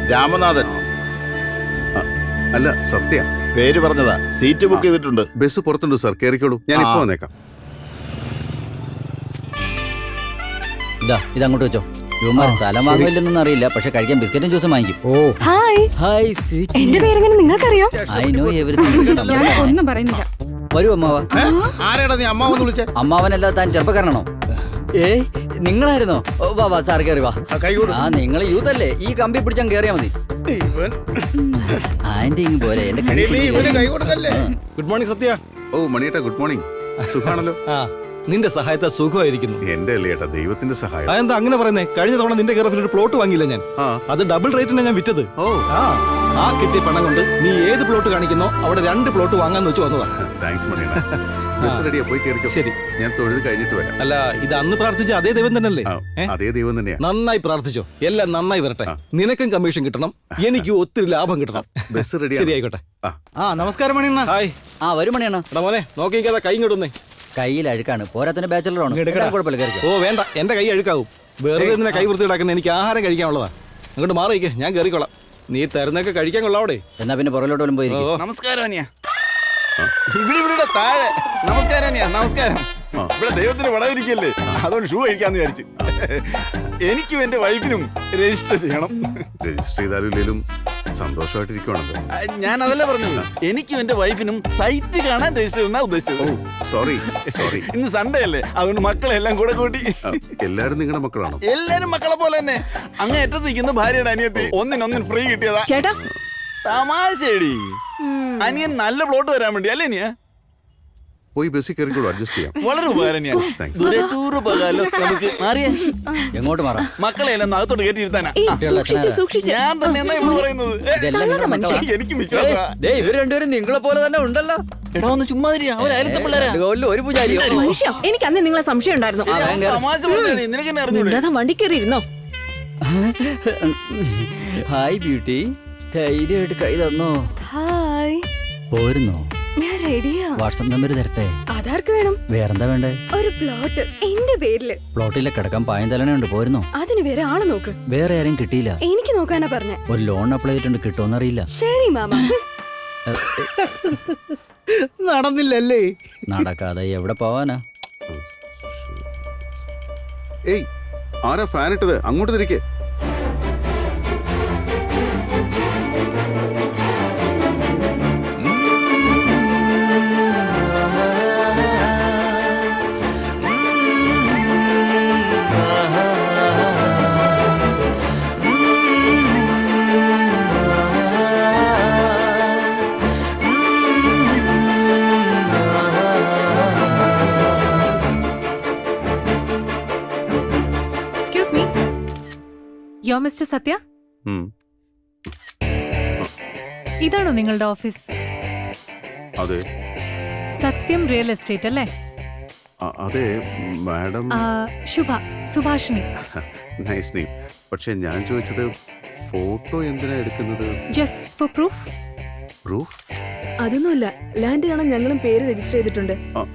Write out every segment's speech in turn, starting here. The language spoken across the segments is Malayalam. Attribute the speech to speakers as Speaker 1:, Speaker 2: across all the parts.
Speaker 1: രാമനാഥൻ.
Speaker 2: അല്ല, സത്യ.
Speaker 1: പേര് പറഞ്ഞതാ. സീറ്റ് ബുക്ക് ചെയ്തിട്ടുണ്ട്.
Speaker 2: ബസ് പുറത്തുണ്ട് സാർ, കേറിക്കോളൂ. ഞാൻ ഇപ്പൊ വന്നേക്കാം.
Speaker 3: ഇതങ്ങോട്ട് വെച്ചോ. യുവമാർ സ്ഥലം വാങ്ങില്ലെന്നൊന്നും അറിയില്ല, പക്ഷെ കഴിക്കാൻ ബിസ്ക്കറ്റും ജ്യൂസും വാങ്ങിക്കും.
Speaker 4: Hi
Speaker 3: hi sweet.
Speaker 4: എന്റെ പേരെങ്ങനെ നിങ്ങൾക്കറിയാം?
Speaker 3: I know everything.
Speaker 4: ഒന്നും പറയുന്നില്ല.
Speaker 3: വരൂ അമ്മാവ.
Speaker 1: ആരാടാ നീ അമ്മാവെന്ന് വിളിച്ചേ?
Speaker 3: അമ്മാവനല്ല, താൻ ചെറുപ്പക്കാരനാണോ? ഏയ് നിങ്ങളായിരുന്നോ? വാ വാ സാർ, കയറി വാ. ആ നിങ്ങൾ യൂത്ത് അല്ലേ? ഈ കമ്പി പിടിച്ചാൽ കയറിയാ മതി. ആന്റി ഇങ്ങ് പോരെ. എന്റെ
Speaker 5: ഗുഡ് മോർണിംഗ് സത്യ.
Speaker 2: ഓ മണിയേട്ടാ, ഗുഡ് മോർണിംഗ്. സുഖാണല്ലോ?
Speaker 5: നിന്റെ സഹായത്തെ സുഖമായിരിക്കുന്നു.
Speaker 2: എന്റെ അല്ലേ ഏട്ടാ, ദൈവത്തിന്റെ സഹായം.
Speaker 5: എന്താ അങ്ങനെ പറയുന്നേ? കഴിഞ്ഞ തവണ നിന്റെ കെയർ ഒരു പ്ലോട്ട് വാങ്ങിയില്ല ഞാൻ. അത് ഡബിൾ റേറ്റിനാണ് ഞാൻ വിറ്റത്. ആ കിട്ടിയ പണം കൊണ്ട് നീ ഏത് പ്ലോട്ട് കാണിക്കുന്നോ അവിടെ 2 പ്ലോട്ട് വാങ്ങാന്ന് വെച്ച് വന്നതാ.
Speaker 2: താങ്ക്സ് മണിയേട്ടാ. ബസ് റെഡിയാ, പോയി കേറിക്കോ.
Speaker 5: ശരി,
Speaker 2: ഞാൻ തൊഴുത് കഴിഞ്ഞിട്ട് വരാം.
Speaker 5: അല്ല, ഇത് അന്ന് പ്രാർത്ഥിച്ച അതേ ദൈവം തന്നെയല്ലേ?
Speaker 2: അതേ ദൈവം തന്നെയാ.
Speaker 5: നന്നായി പ്രാർത്ഥിച്ചോ, എല്ലാം നന്നായി വരട്ടെ. നിനക്കും കമ്മീഷൻ കിട്ടണം, എനിക്ക് ഒത്തിരി ലാഭം കിട്ടണം.
Speaker 2: Bus ready.
Speaker 5: ശരി, ആയിക്കോട്ടെ. നമസ്കാരം മണിയണ്ണ. ഹായ്.
Speaker 3: വരും മണിയണ്ണ.
Speaker 5: എടാ മോനെ, നോക്കിക്കാതെ കൈ ഇങ്ങോട്ടൊന്നേ.
Speaker 3: കയ്യിൽ അഴുക്കാണ്, പോരാത്തിന് ബാച്ചലറാണ്. കുഴപ്പമില്ല, കയറിക്കോ.
Speaker 5: ഓ വേണ്ട, എന്റെ കൈ അഴുക്കാവും. വെറുതെ ഇതിനെ കൈ വൃത്തിയിടാക്കുന്ന, എനിക്ക് ആഹാരം കഴിക്കാനുള്ളതാ. അങ്ങോട്ട് മാറിയിക്കേ, ഞാൻ കയറിക്കോളാം. നീ തരുന്നൊക്കെ കഴിക്കാൻ കൊള്ളാവിടെ.
Speaker 3: എന്നാ പിന്നെ പുറകിലോട്ട് പോലും പോയി.
Speaker 1: നമസ്കാരം അനിയ. ഇവിടെ താഴെ. നമസ്കാരം അനിയ, നമസ്കാരം. ഇവിടെ ദൈവത്തിന് വടവിരിക്കല്ലേ, അതുകൊണ്ട് ഷൂ കഴിക്കാന്ന് വിചാരിച്ചു. എനിക്കും എന്റെ വൈഫിനും രജിസ്റ്റർ ചെയ്യണം.
Speaker 2: രജിസ്റ്റർ ചെയ്താലും ഇല്ലേലും സന്തോഷമായിട്ടിരിക്കുവാണല്ലോ.
Speaker 1: ഞാൻ അതല്ല പറഞ്ഞത്, എനിക്കും എന്റെ വൈഫിനും സൈറ്റ് കാണാൻ രജിസ്റ്റർ ചെയ്യുന്ന ഉദ്ദേശിച്ചത്.
Speaker 2: സോറി.
Speaker 1: ഇന്ന് സൺഡേ അല്ലേ, അതുകൊണ്ട് മക്കളെല്ലാം കൂടെ കൂട്ടി.
Speaker 2: എല്ലാരും നിങ്ങളുടെ മക്കളാണോ?
Speaker 1: എല്ലാരും മക്കളെ പോലെ തന്നെ. അങ്ങ് അറ്റത്ത് നിൽക്കുന്ന ഭാര്യയുടെ അനിയത്തി ഒന്നിനൊന്നിന് ഫ്രീ കിട്ടിയതാ.
Speaker 4: ചേട്ടാ
Speaker 1: തമാശേടി. അനിയൻ നല്ല പ്ലോട്ട് തരാൻ വേണ്ടി അല്ലേ നീ?
Speaker 2: പോയി ബസ്സിൽ കയറിക്കോളൂ, അഡ്ജസ്റ്റ് ചെയ്യാം.
Speaker 1: വളരെ ഉപകാരം. നമുക്ക് മാറിയേ.
Speaker 3: എങ്ങോട്ട് മാറാം?
Speaker 1: മക്കളെ എല്ലാം അകത്തോട്ട് കയറ്റിയിരുത്താനാ.
Speaker 4: സൂക്ഷിച്ച്.
Speaker 1: ഞാൻ തന്നെ എന്നാ ഇവിടെ പറയുന്നത്. എനിക്ക് വിശ്വാസം.
Speaker 3: ഇവർ രണ്ടുപേരും നിങ്ങളെ പോലെ തന്നെ ഉണ്ടല്ലോ.
Speaker 1: എടാ ഒന്ന് ചുമ്മാ പിള്ളേരാ.
Speaker 3: ഒരു പൂജാരിയോ?
Speaker 4: എനിക്ക് അന്ന് നിങ്ങളെ സംശയം ഉണ്ടായിരുന്നു.
Speaker 1: തമാശ പറഞ്ഞേ, നിനക്കെന്നെ അറിഞ്ഞൂടെ?
Speaker 4: വണ്ടി കയറി ഇരുന്നോ.
Speaker 3: ഹായ് ബ്യൂട്ടി, ധൈര്യമായിട്ട് കൈ തന്നോ?
Speaker 4: ഹായ്.
Speaker 3: പോരുന്നോ?
Speaker 4: ഞാൻ റെഡിയാ.
Speaker 3: വാട്സ്ആപ്പ് നമ്പർ തരട്ടെ?
Speaker 4: ആധാർക്ക് വേണം.
Speaker 3: വേറെന്താ വേണ്ടേ?
Speaker 4: ഒരു പ്ലോട്ട് എന്റെ പേരില്.
Speaker 3: പ്ലോട്ടിലെ കിടക്കാൻ പായം തലനുണ്ട്. പോരുന്നോ?
Speaker 4: അതിന് വേറെ ആളെ നോക്ക്.
Speaker 3: വേറെ ആരെയും കിട്ടിയില്ല.
Speaker 4: എനിക്ക് നോക്കാനാ പറഞ്ഞ.
Speaker 3: ഒരു ലോൺ അപ്ലൈ ചെയ്തിട്ടുണ്ട്, കിട്ടുമെന്നറിയില്ല.
Speaker 4: ശരി മാമ.
Speaker 5: നടന്നില്ലല്ലേ?
Speaker 3: നടക്കാതെ എവിടെ പോവാനാ?
Speaker 2: ഏയ്, ആരാ ഫാൻ ഇട്ടത്? അങ്ങോട്ട് തിരിക്കേ.
Speaker 6: മിസ്റ്റർ സത്യ, ഇതാണോ നിങ്ങളുടെ ഓഫീസ്?
Speaker 2: അതെ.
Speaker 6: സത്യം റിയൽ എസ്റ്റേറ്റ് അല്ലേ?
Speaker 2: അതെ മാഡം.
Speaker 6: സുഭാഷിണി.
Speaker 2: Nice name. പക്ഷെ ഞാൻ ചോദിച്ചത് ഫോട്ടോ എന്തിനാ എടുക്കുന്നത്?
Speaker 6: Just for proof.
Speaker 2: പ്രൂഫ്?
Speaker 4: അതൊന്നുമല്ല, ലാൻഡ് കാണാൻ ഞങ്ങളും പേര് രജിസ്റ്റർ ചെയ്തിട്ടുണ്ട്.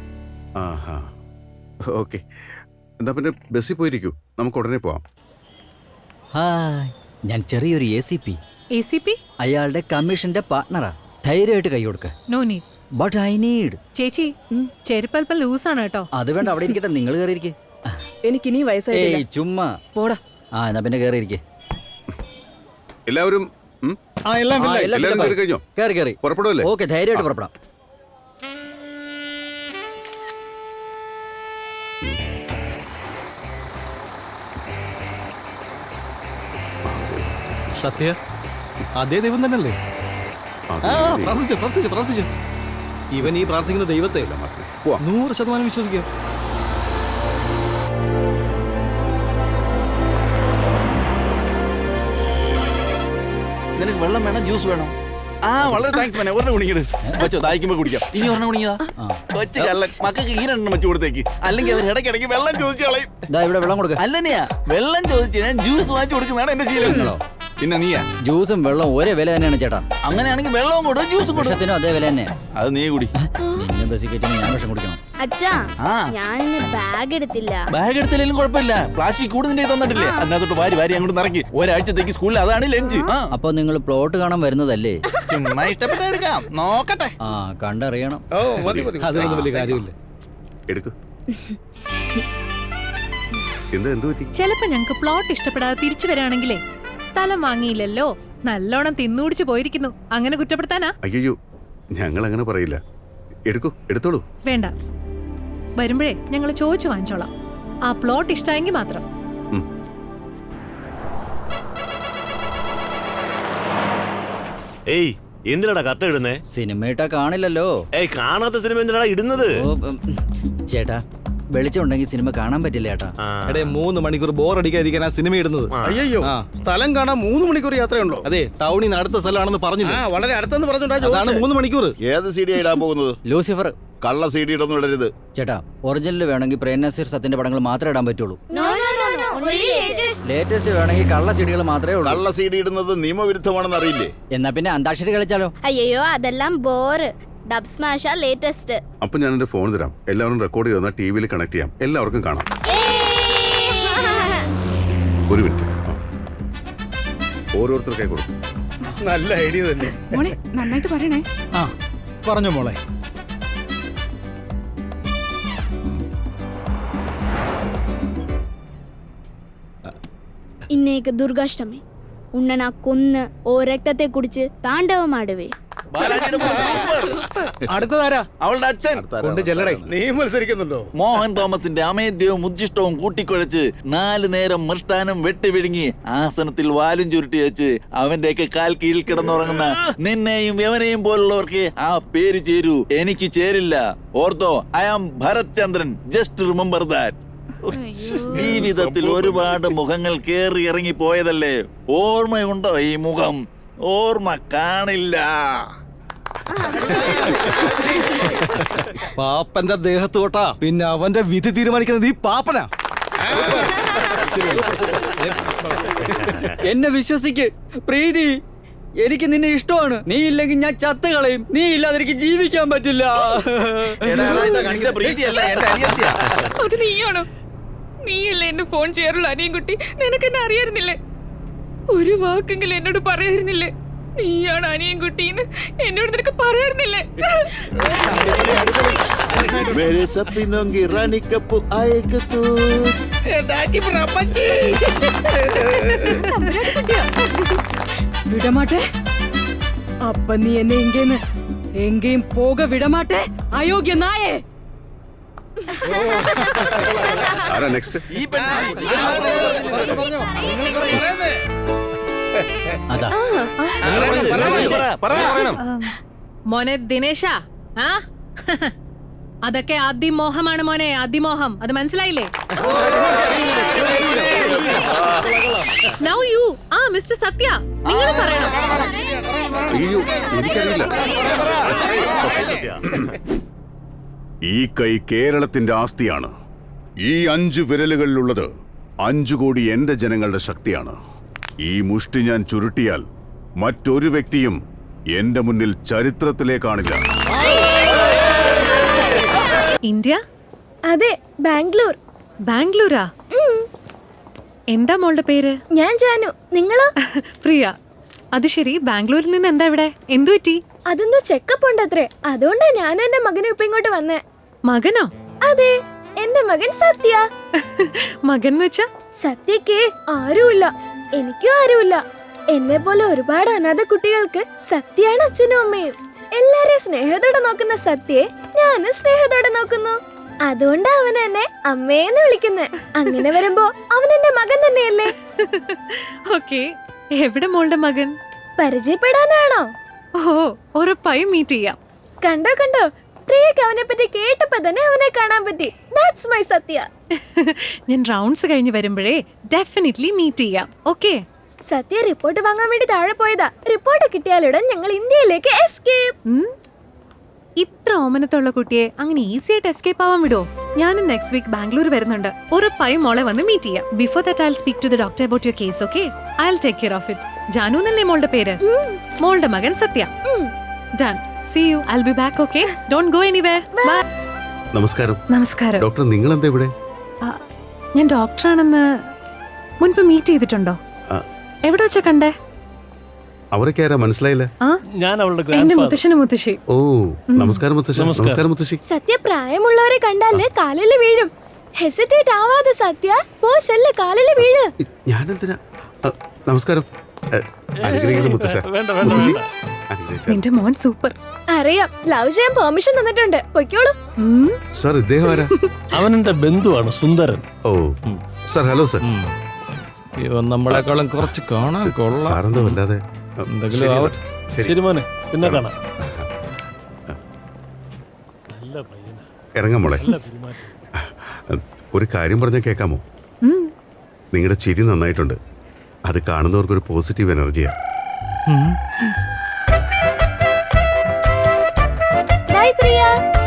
Speaker 2: ഓക്കെ, എന്താ പിന്നെ ബസ്സിൽ പോയിരിക്കൂ, നമുക്ക് ഉടനെ പോവാം.
Speaker 3: ഹായ്, ഞാൻ ചെറിയൊരു ACP. അയാളുടെ കമ്മീഷന്റെ പാർട്ട്ണറാ. ധൈര്യമായിട്ട് കൈ കൊടുക്ക.
Speaker 6: No need.
Speaker 3: But I need.
Speaker 6: ചേച്ചി, ചെരുപ്പൽപ്പം ലൂസാണ് കേട്ടോ.
Speaker 3: അത് വേണ്ട, അവിടെ ഇരിക്കട്ടെ. നിങ്ങൾ കയറിയിരിക്കെ.
Speaker 4: എനിക്കിനി വയസ്സായിട്ടില്ല.
Speaker 3: ചുമ്മാ
Speaker 4: പോടാ.
Speaker 3: എന്നാ പിന്നെ കയറിയിരിക്കെ.
Speaker 2: എല്ലാവരും കഴിഞ്ഞോ?
Speaker 3: കയറി
Speaker 2: പുറപ്പെടുവല്ലേ?
Speaker 3: ഓക്കെ, ധൈര്യമായിട്ട് പുറപ്പെടാം.
Speaker 5: സത്യ, അതേ ദൈവം തന്നെയല്ലേ? പ്രാർത്ഥിച്ചു. ഇവൻ ഈ പ്രാർത്ഥിക്കുന്ന ദൈവത്തെ 100% വിശ്വസിക്കാം.
Speaker 1: നിനക്ക് വെള്ളം വേണം, ജ്യൂസ് വേണം? വളരെ താങ്ക്സ് മോനെ. ഒരെണ്ണം കുടിക്കട് വെച്ചോ, ദാഹിക്കുമ്പോ കുടിക്കാം. ഇനി ഒരെണ്ണം കുടിക്കതാ കൊച്ചു കള്ളൻ. മക്കൾക്ക് ഈ 2 വെച്ച് കൊടുത്തേക്ക്, അല്ലെങ്കിൽ അവർ ഇടയ്ക്കിടയ്ക്ക് വെള്ളം ചോദിച്ചു കളയും.
Speaker 3: ഇവിടെ വെള്ളം കൊടുക്ക.
Speaker 1: അല്ലനെയാ, വെള്ളം ചോദിച്ചു ഞാൻ ജ്യൂസ് വാങ്ങിച്ചു കൊടുക്കുന്നതാണ് എന്റെ ശീലം. പിന്നെ നീയാ?
Speaker 3: ജ്യൂസും വെള്ളം ഒരേ വില തന്നെയാണ് ചേട്ടാ.
Speaker 1: അങ്ങനെയാണെങ്കിൽ വെള്ളവും കൊടുക്കും ജ്യൂസും കൊടുക്കും.
Speaker 3: അതേ വില തന്നെ.
Speaker 1: അത് നീ കുടി.
Speaker 3: നിന്നെ ബസ് കയറ്റി ഞാൻ വിഷം കുടിക്കണം.
Speaker 7: അച്ഛാ
Speaker 1: ആ
Speaker 7: ഞാൻ ബാഗ് എടുത്തില്ല.
Speaker 1: ബാഗ് എടുത്തില്ലെങ്കിലും കുഴപ്പമില്ല. പ്ലാസ്റ്റിക് കൂടുതൽ തന്നിട്ടില്ലേ, അതിനകത്തോട്ട് വാരി വാരി അങ്ങോട്ട് നിറക്കി ഒരാഴ്ചത്തേക്ക് സ്കൂളിൽ അതാണ് ലഞ്ച്.
Speaker 3: അപ്പൊ നിങ്ങൾ പ്ലോട്ട് കാണാൻ വരുന്നതല്ലേ?
Speaker 1: ചുമ്മാ ഇഷ്ടപ്പെട്ട എടുക്കാം, നോക്കട്ടെ.
Speaker 3: ആ കണ്ടറിയണം.
Speaker 5: അതൊന്നും വലിയ കാര്യമില്ല.
Speaker 2: എടുക്കൂ. എന്ത് പറ്റി?
Speaker 6: ചിലപ്പോ ഞങ്ങക്ക് പ്ലോട്ട് ഇഷ്ടപ്പെടാതെ തിരിച്ചു വരാണെങ്കിലേ സ്ഥലം വാങ്ങിയില്ലല്ലോ, നല്ലോണം തിന്നുടിച്ചു പോയിരിക്കുന്നു, അങ്ങനെ കുറ്റപ്പെടുത്താനാ?
Speaker 2: അയ്യോ, ഞങ്ങൾ അങ്ങനെ പറയില്ല. എടുക്കൂ, എടുത്തോളൂ.
Speaker 6: വേണ്ട, വരുമ്പോഴേ ഞങ്ങൾ ചോദിച്ചു വാങ്ങിച്ചോളാം. ആ പ്ലോട്ട് ഇഷ്ടമായെങ്കിൽ മാത്രം.
Speaker 8: ഏയ് എന്തിനാടാ കത്ത് ഇടുന്നേ?
Speaker 3: സിനിമ ഇട്ടാ കാണില്ലല്ലോ.
Speaker 8: ഏയ് കാണാത്ത സിനിമ എന്തിനാടാ ഇടുന്നത്?
Speaker 3: ചേട്ടാ, വെളിച്ചം ഉണ്ടെങ്കിൽ സിനിമ കാണാൻ പറ്റില്ല ചേട്ടാ.
Speaker 5: എടേ 3 മണിക്കൂർ ബോർ അടിക്കാതിരിക്കാൻ ആ സിനിമ ഇടുന്നത്.
Speaker 9: അയ്യോ, സ്ഥലം കാണാൻ 3 മണിക്കൂർ യാത്രയുണ്ടോ?
Speaker 5: അതെ, ടൗണിൽ നിന്ന് അടുത്ത സ്ഥലമാണെന്ന് പറഞ്ഞില്ല.
Speaker 9: വളരെ അടുത്തെന്ന് പറഞ്ഞോണ്ടാ
Speaker 5: അതാണ് 3 മണിക്കൂർ.
Speaker 2: ഏത് സി ഡി ഇടാൻ പോകുന്നത്?
Speaker 3: ലൂസിഫർ.
Speaker 2: കള്ള സി ഡി ഇടൊന്നും ഇടരുത്
Speaker 3: ചേട്ടാ, ഒറിജിനൽ വേണമെങ്കിൽ പ്രേം നസീർ സത്യന്റെ പടങ്ങൾ മാത്രമേ ഇടാൻ പറ്റുള്ളൂ. ലേറ്റസ്റ്റ് വേണമെങ്കിൽ കള്ള ചെടികൾ മാത്രമേ ഉള്ളൂ.
Speaker 2: കള്ള സി ഡി ഇടുന്നത് നിയമവിരുദ്ധമാണെന്ന് അറിയില്ലേ?
Speaker 3: എന്നാ പിന്നെ അന്താക്ഷരി കളിച്ചാലോ?
Speaker 7: അയ്യോ, അതെല്ലാം ബോറ്. Dub സ്മാഷാ latest.
Speaker 2: അപ്പൊ ഞാൻ എന്റെ ഫോൺ തരാം, എല്ലാവരും റെക്കോർഡ് ചെയ്ത് ടി വിയിൽ കണക്ട് ചെയ്യാം, എല്ലാവർക്കും കാണാം. ഒരു മിനിറ്റ്, ഓരോരുത്തർക്കായി കൊടുക്കും.
Speaker 9: നല്ല ഐഡിയ തന്നെ.
Speaker 4: മോളെ നന്നായിട്ട് പറയണേ.
Speaker 5: ആ പറഞ്ഞു മോളെ.
Speaker 7: ಇನ್ನೇಕ ದುರ್ಗಾಷ್ಟಮಿ ಉಣ್ಣನ ಕೊನ್ನ ಓ ರಕ್ತತೆ ಕುಡಿച്ച് താണ്ഡവമാടുവേ.
Speaker 1: ബാലാജിയുടെ മോൻ സൂപ്പർ.
Speaker 5: അടുത്തതാരാ?
Speaker 1: അവളുടെ അച്ഛൻ
Speaker 5: കൊണ്ട് ചെല്ലടേ.
Speaker 9: നീ മത്സരിക്കുന്നുണ്ടോ?
Speaker 1: മോഹൻ തോമസിന്റെ അമേദ്യവും ഉജ്ജിഷ്ടവും കൂട്ടിക്കുഴച്ച് 4 നേരം മൃഷ്ടാനം വെട്ടി വിഴുങ്ങി ആസനത്തിൽ വാലും ചുരുട്ടി വെച്ച് അവന്റെയൊക്കെ കാൽ കീഴിൽ കിടന്നുറങ്ങുന്ന നിന്നെയും യവനെയും പോലുള്ളവർക്ക് ആ പേര് ചേരൂ, എനിക്ക് ചേരില്ല. ഓർത്തോ, I am Bharath Chandran, just remember that. ജീവിതത്തിൽ ഒരുപാട് മുഖങ്ങൾ കേറി ഇറങ്ങി പോയതല്ലേ, ഓർമ്മയുണ്ടോ ഈ മുഖം? ഓർമ്മ കാണില്ല.
Speaker 5: പാപ്പന്റെ ദേഹത്ത് തൊട്ടാ പിന്നെ അവന്റെ വിധി തീരുമാനിക്കുന്നത് ഈ പാപ്പനാ.
Speaker 3: എന്നെ വിശ്വസിക്ക് പ്രീതി, എനിക്ക് നിന്നെ ഇഷ്ടമാണ്. നീ ഇല്ലെങ്കിൽ ഞാൻ ചത്ത് കളയും. നീ ഇല്ലാതെ എനിക്ക് ജീവിക്കാൻ പറ്റില്ല.
Speaker 4: അത് നീയാണോ? നീയല്ലേ എന്നെ ഫോൺ ചെയ്യാറുള്ള അനിയൻകുട്ടി? നിനക്ക് എന്നെ അറിയായിരുന്നില്ലേ? ഒരു വാക്കെങ്കിലും എന്നോട് പറയായിരുന്നില്ലേ? നീയാണ് അനിയൻകുട്ടിന്ന് എന്നോട് നിനക്ക് പറയായിരുന്നില്ലേ? വിടമാട്ടെ. അപ്പ നീ എന്നെ എങ്കേയും പോക വിടമാട്ടെ, അയോഗ്യ നായേ.
Speaker 2: ആരാ നെക്സ്റ്റ്?
Speaker 1: ഈ പെണ്ണ്
Speaker 3: അതാ
Speaker 6: മോനെ ദിനേശ, ആ അതൊക്കെ അതിമോഹമാണ് മോനെ, അതിമോഹം. അത് മനസ്സിലായില്ലേ? നൗ യു മിസ്റ്റർ സത്യ, നിങ്ങൾ പറയണം.
Speaker 2: അയ്യോ, എനിക്കറിയില്ല. ഈ കൈ കേരളത്തിന്റെ ആസ്തിയാണ്. ഈ 5 വിരലുകളിലുള്ളത് 5 കോടി എന്റെ ജനങ്ങളുടെ ശക്തിയാണ്. ഈ മുഷ്ടി ഞാൻ ചുരുട്ടിയാൽ മറ്റൊരു വ്യക്തിയും എന്റെ മുന്നിൽ ചരിത്രത്തിലേ കാണില്ല.
Speaker 6: ഇന്ത്യ?
Speaker 7: അതെ, ബാംഗ്ലൂർ.
Speaker 6: ബാംഗ്ലൂരാ? എന്താ മോളുടെ പേര്?
Speaker 7: ഞാൻ ജാനു. നിങ്ങളോ?
Speaker 6: പ്രിയ. അത് ശരി, ബാംഗ്ലൂരിൽ നിന്ന് എന്താ ഇവിടെ? എന്തു പറ്റി?
Speaker 7: അതൊന്നും ചെക്കപ്പ് ഉണ്ടത്രേ, അതുകൊണ്ടാ ഞാനും എന്റെ മകനും ഇപ്പൊ ഇങ്ങോട്ട് വന്നേ.
Speaker 6: മകനോ?
Speaker 7: അതെ, എന്റെ മകൻ സത്യ.
Speaker 6: മകൻ വെച്ചാ?
Speaker 7: സത്യക്ക് ആരുമില്ല, എനിക്കും ആരുമില്ല. എന്നെ പോലെ ഒരുപാട് അനാഥ കുട്ടികൾക്ക് സത്യാണ് അച്ഛനും അമ്മയും. എല്ലാരെയും സ്നേഹത്തോടെ നോക്കുന്ന സത്യയെ ഞാനും സ്നേഹത്തോടെ നോക്കുന്നു. അതുകൊണ്ട് അവൻ എന്നെ അമ്മേന്ന് വിളിക്കുന്നേ. അങ്ങനെ വരുമ്പോ അവൻ എന്റെ മകൻ തന്നെയല്ലേ?
Speaker 6: ഓക്കേ, എവിടെ മോളുടെ മകൻ?
Speaker 7: പരിചയപ്പെടാനാണോ?
Speaker 6: ഓ, ഉറപ്പായും മീറ്റ് ചെയ്യാം.
Speaker 7: കണ്ടോ കണ്ടോ, പ്രിയക്ക് അവനെ പറ്റി കേട്ടപ്പോ തന്നെ അവനെ കാണാൻ പറ്റി. That's my Sathya.
Speaker 6: ഞാൻ റൗണ്ട്സ് കഴിഞ്ഞ് വരുമ്പോഴേ ഡെഫിനറ്റ്ലി മീറ്റ് ചെയ്യാം. ഓക്കേ?
Speaker 7: സത്യ റിപ്പോർട്ട് വാങ്ങാൻ വേണ്ടി താഴെ പോയതാ. റിപ്പോർട്ട് കിട്ടിയാലുടൻ ഞങ്ങൾ ഇന്ത്യയിലേക്ക് എസ്കേപ്പ്.
Speaker 6: ഇത്ര ഓമനത്തുള്ള കുട്ടിയെ അങ്ങനെ ഈസി ആയിട്ട് എസ്കേപ്പ് ആവാൻ വിടോ? ഞാനും നെക്സ്റ്റ് വീക്ക് ബാംഗ്ലൂർ വരുന്നുണ്ട്. ഉറപ്പായും മോളെ വന്ന് മീറ്റ് ചെയ്യാം. Before that I will speak to the doctor about your case. Okay? I will take care of it. Janu എന്നല്ലേ മോളുടെ പേര്? മോളുടെ മകൻ Sathya. Done. See you. I'll be back, okay? Don't go anywhere. Bye.
Speaker 2: നമസ്കാരം.
Speaker 6: നമസ്കാരം.
Speaker 2: ഡോക്ടർ, നിങ്ങൾ എന്താ ഇവിടെ?
Speaker 6: ആ, ഞാൻ ഡോക്ടറാണെന്ന് മുൻപ് മീറ്റ് ചെയ്തിട്ടുണ്ടോ?
Speaker 2: ആ.
Speaker 6: എവിടെ വെച്ചാ കണ്ടേ?
Speaker 2: അവരൊക്കെ ആരാ മനസ്സിലായില്ല?
Speaker 6: ആ,
Speaker 5: ഞാൻ അവളുടെ
Speaker 6: എന്റെ മുത്തശ്ശനും മുത്തശ്ശി.
Speaker 2: ഓ, നമസ്കാരം മുത്തശ്ശി. നമസ്കാരം മുത്തശ്ശി.
Speaker 7: സത്യ പ്രായമുള്ളവരെ കണ്ടാല് കാലില് വീഴും. ഹെസിറ്റേറ്റ് ആവാതെ സത്യ പോ ചെല്ല് കാലില് വീഴ്.
Speaker 2: ഞാനെന്തിനാ? നമസ്കാരം. അനുഗ്രഹിക്കുന്നു മുത്തശ്ശ. മുത്തശ്ശി, അനുഗ്രഹിച്ചാ.
Speaker 6: നിന്റെ മോൻ സൂപ്പർ.
Speaker 7: അറിയാം, ലവ് ചെയ്യാൻ പെർമിഷൻ തന്നിട്ടുണ്ട്. പൊയ്ക്കോളൂ.
Speaker 2: സാർ, ഇദ്ദേഹം ആരാ?
Speaker 5: അവനെന്റെ ബന്ധുവാണ് സുന്ദരൻ.
Speaker 2: ഓ, സാർ. Hello sir.
Speaker 5: ഇവൻ നമ്മളെക്കാളും കുറച്ച് കാണാൻ കൊള്ളാം.
Speaker 2: സാറെന്താ വല്ലാതെ?
Speaker 5: എന്തെങ്കിലും
Speaker 2: ശരി,
Speaker 5: ആവട്ടെ.
Speaker 2: ശരി.
Speaker 5: ശരി മോനെ, പിന്നെ കാണാം. നല്ല പയ്യനാ,
Speaker 2: ഇറങ്ങാം മോളെ.
Speaker 5: നല്ല പെരുമാറ്റം.
Speaker 2: ഒരു കാര്യം പറഞ്ഞാൽ കേൾക്കാമോ? നിങ്ങളുടെ ചിരി നന്നായിട്ടുണ്ട്. അത് കാണുന്നവർക്കൊരു പോസിറ്റീവ് എനർജിയാ.
Speaker 7: By Priya.